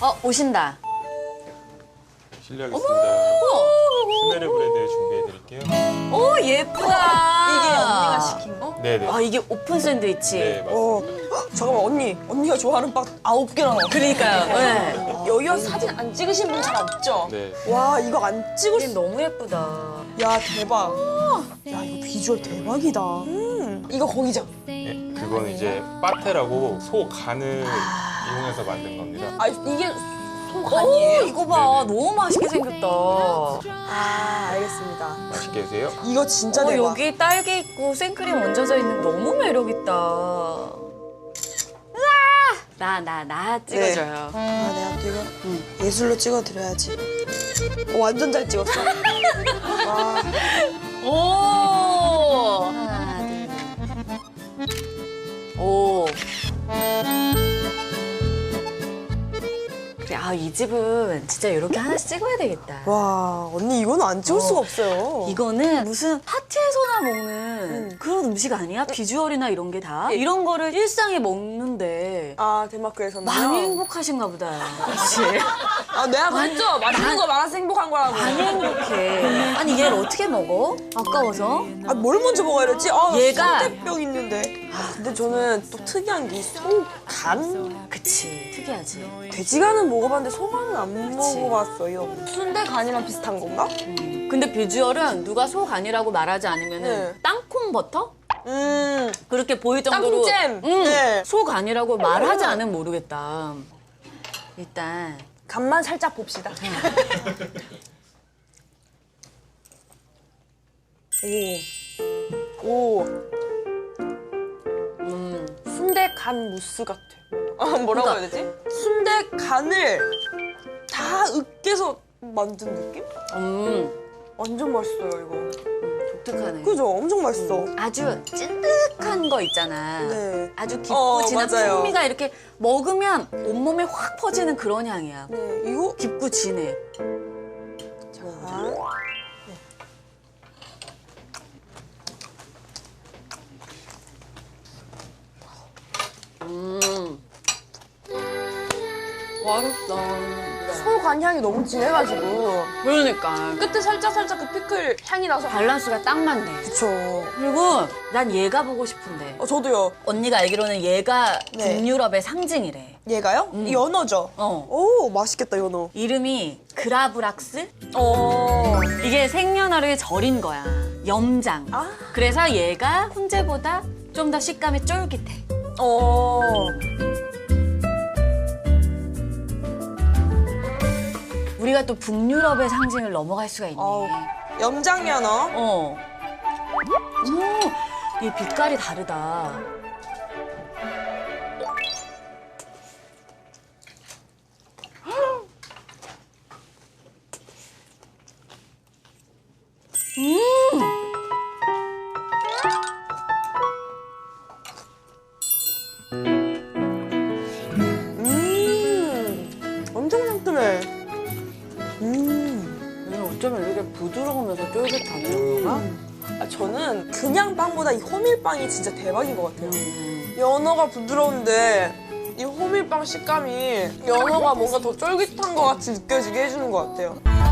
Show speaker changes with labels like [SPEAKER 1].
[SPEAKER 1] 오신다.
[SPEAKER 2] 실례하겠습니다. 스메르 브레드 준비해드릴게요.
[SPEAKER 1] 오, 예쁘다.
[SPEAKER 3] 이게 언니가 시킨 거?
[SPEAKER 2] 네네.
[SPEAKER 1] 이게 오픈 샌드위치.
[SPEAKER 2] 네, 맞습니다.
[SPEAKER 3] 잠깐만 언니가 좋아하는 빵 9개나 나와.
[SPEAKER 1] 그러니까요. 네.
[SPEAKER 3] 여기 와서 사진 안 찍으신 분 잘 없죠?
[SPEAKER 2] 네.
[SPEAKER 3] 와 이거 안 찍을
[SPEAKER 1] 이게
[SPEAKER 3] 수...
[SPEAKER 1] 너무 예쁘다.
[SPEAKER 3] 야 대박. 야 이거 비주얼 대박이다. 이거 거기죠?
[SPEAKER 2] 네, 그건 이제 빠테라고 소 간을 이용해서 만든 겁니다.
[SPEAKER 3] 아 이게 소간이에요?
[SPEAKER 1] 이거 봐.
[SPEAKER 2] 네네.
[SPEAKER 1] 너무 맛있게 생겼다.
[SPEAKER 3] 아 알겠습니다.
[SPEAKER 2] 맛있게 드세요.
[SPEAKER 3] 이거 진짜 대박.
[SPEAKER 1] 여기 딸기 있고 생크림 얹어져 있는 거 너무 매력있다. 나 찍어줘요.
[SPEAKER 3] 아 내가 또 이거 예술로 찍어드려야지. 완전 잘 찍었어. 와.
[SPEAKER 1] 오! 하나, 둘, 셋. 오. 그래, 이 집은 진짜 이렇게 하나씩 찍어야 되겠다.
[SPEAKER 3] 와 언니 이거는 안 찍을 수가 없어요.
[SPEAKER 1] 이거는 무슨 파티에서나 먹는 그런 음식 아니야? 비주얼이나 이런 게 다? 이런 거를 일상에 먹는데
[SPEAKER 3] 아 덴마크에서는
[SPEAKER 1] 많이 행복하신가 보다. 그렇지?
[SPEAKER 3] 아 내가 봤죠? 맛있는 거 많아서 행복한 거라고.
[SPEAKER 1] 많이 행복해. 아니 얘를 어떻게 먹어? 아까워서?
[SPEAKER 3] 아 뭘 먼저 먹어야 되지? 아
[SPEAKER 1] 얘가-
[SPEAKER 3] 순대병 있는데. 근데 저는 또 특이한 게 소간?
[SPEAKER 1] 그치, 특이하지.
[SPEAKER 3] 돼지간은 먹어봤는데 소간은 안
[SPEAKER 1] 그치.
[SPEAKER 3] 먹어봤어요. 순대간이랑 비슷한 건가?
[SPEAKER 1] 근데 비주얼은 누가 소 간이라고 말하지 않으면
[SPEAKER 3] 네.
[SPEAKER 1] 땅콩 버터? 그렇게 보일 정도로
[SPEAKER 3] 땅콩잼! 네.
[SPEAKER 1] 소 간이라고 말하지 않으면 모르겠다. 일단
[SPEAKER 3] 간만 살짝 봅시다. 오. 순대간 무스 같아. 뭐라고 해야 되지? 순대간을 다 으깨서 만든 느낌? 완전 맛있어요, 이거.
[SPEAKER 1] 독특하네.
[SPEAKER 3] 그죠? 엄청 맛있어.
[SPEAKER 1] 아주 찐득한 거 있잖아.
[SPEAKER 3] 네.
[SPEAKER 1] 아주 깊고 진한
[SPEAKER 3] 맞아요.
[SPEAKER 1] 풍미가 이렇게 먹으면 온몸에 확 퍼지는 그런 향이야.
[SPEAKER 3] 네, 이거
[SPEAKER 1] 깊고 진해.
[SPEAKER 3] 자.
[SPEAKER 1] 맛있다.
[SPEAKER 3] 소간 향이 너무 진해가지고
[SPEAKER 1] 그러니까
[SPEAKER 3] 끝에 살짝 그 피클 향이 나서
[SPEAKER 1] 밸런스가 딱 맞네.
[SPEAKER 3] 그쵸.
[SPEAKER 1] 그리고 난 얘가 보고 싶은데
[SPEAKER 3] 저도요.
[SPEAKER 1] 언니가 알기로는 얘가
[SPEAKER 3] 네.
[SPEAKER 1] 북유럽의 상징이래.
[SPEAKER 3] 얘가요? 연어죠? 오, 맛있겠다, 연어.
[SPEAKER 1] 이름이 그라브락스?
[SPEAKER 3] 어.
[SPEAKER 1] 이게 생년월일 절인 거야. 염장.
[SPEAKER 3] 아.
[SPEAKER 1] 그래서 얘가 훈제보다 좀 더 식감이 쫄깃해.
[SPEAKER 3] 어.
[SPEAKER 1] 우리가 또 북유럽의 상징을 넘어갈 수가 있네.
[SPEAKER 3] 염장 연어.
[SPEAKER 1] 오, 이 빛깔이 다르다.
[SPEAKER 3] 엄청 상큼해.
[SPEAKER 1] 얘는 어쩌면 이렇게 부드러우면서 쫄깃하네, 연어가?
[SPEAKER 3] 저는 그냥 빵보다 이 호밀빵이 진짜 대박인 것 같아요. 연어가 부드러운데 이 호밀빵 식감이 연어가 뭔가 더 쫄깃한 것 같이 느껴지게 해주는 것 같아요.